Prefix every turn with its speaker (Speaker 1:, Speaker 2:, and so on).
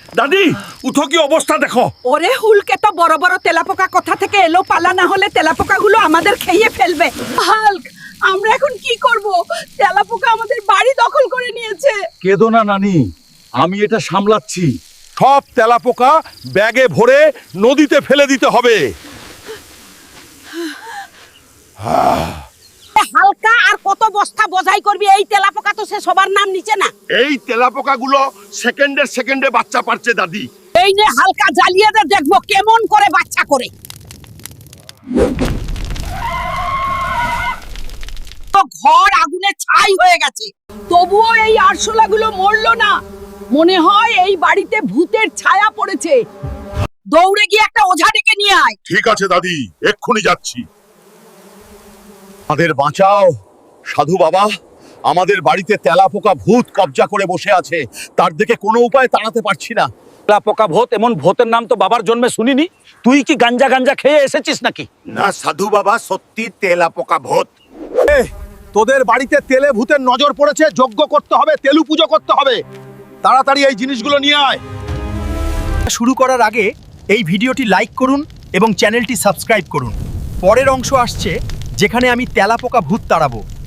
Speaker 1: দাদি উঠো, কি অবস্থা দেখো।
Speaker 2: ওরে হুলকে তো বড় বড় তেলাপোকা কোথা থেকে এলো, পালা না হলে তেলাপোকাগুলো আমাদের খেয়ে ফেলবে। হাল্ক, আমরা এখন কি করব? তেলাপোকা আমাদের বাড়ি দখল করে নিয়েছে।
Speaker 1: কেঁদো না নানি, আমি এটা সামলাচ্ছি। সব তেলাপোকা ব্যাগে ভরে নদীতে ফেলে দিতে হবে।
Speaker 2: হালকা আর কত বস্তা বোঝাই করবি? এই তেলাপোকা তো সে সবার নাম নিচে না।
Speaker 1: এই তেলাপোকাগুলো সেকেন্ডে বাচ্চা পারছে দাদি।
Speaker 2: এই নে হালকা, জ্বালিয়ে দে, দেখবো কেমন করে বাচ্চা করে। তো ঘর আগুনে ছাই হয়ে গেছে, তবুও এই আরশোলাগুলো মরলো না। মনে হয় এই বাড়িতে ভূতের ছায়া পড়েছে। দৌড়ে গিয়ে একটা ওঝা ডেকে নিয়ে আয়।
Speaker 1: ঠিক আছে দাদি, এক্ষুনি যাচ্ছি। আমাদের বাঁচাও সাধু বাবা, আমাদের বাড়িতে তেলাপোকা ভূত কবজা করে বসে আছে, তার দিকে কোনো উপায় তাড়াতে পারছি না।
Speaker 3: তেলাপোকা ভূত, এমন ভূতের নাম তো বাবার জন্মে শুনিনি। তুই কি গাঞ্জা গাঞ্জা খেয়ে এসেছিস নাকি?
Speaker 1: না সাধু বাবা, সত্যি তেলাপোকা ভূত।
Speaker 4: তোদের বাড়িতে তেলে ভূতের নজর পড়েছে, যজ্ঞ করতে হবে, তেলু পুজো করতে হবে। তাড়াতাড়ি এই জিনিসগুলো নিয়ে আয়।
Speaker 5: শুরু করার আগে এই ভিডিওটি লাইক করুন এবং চ্যানেলটি সাবস্ক্রাইব করুন। পরের অংশ আসছে, যেখানে আমি তেলাপোকা ভূত তাড়াবো।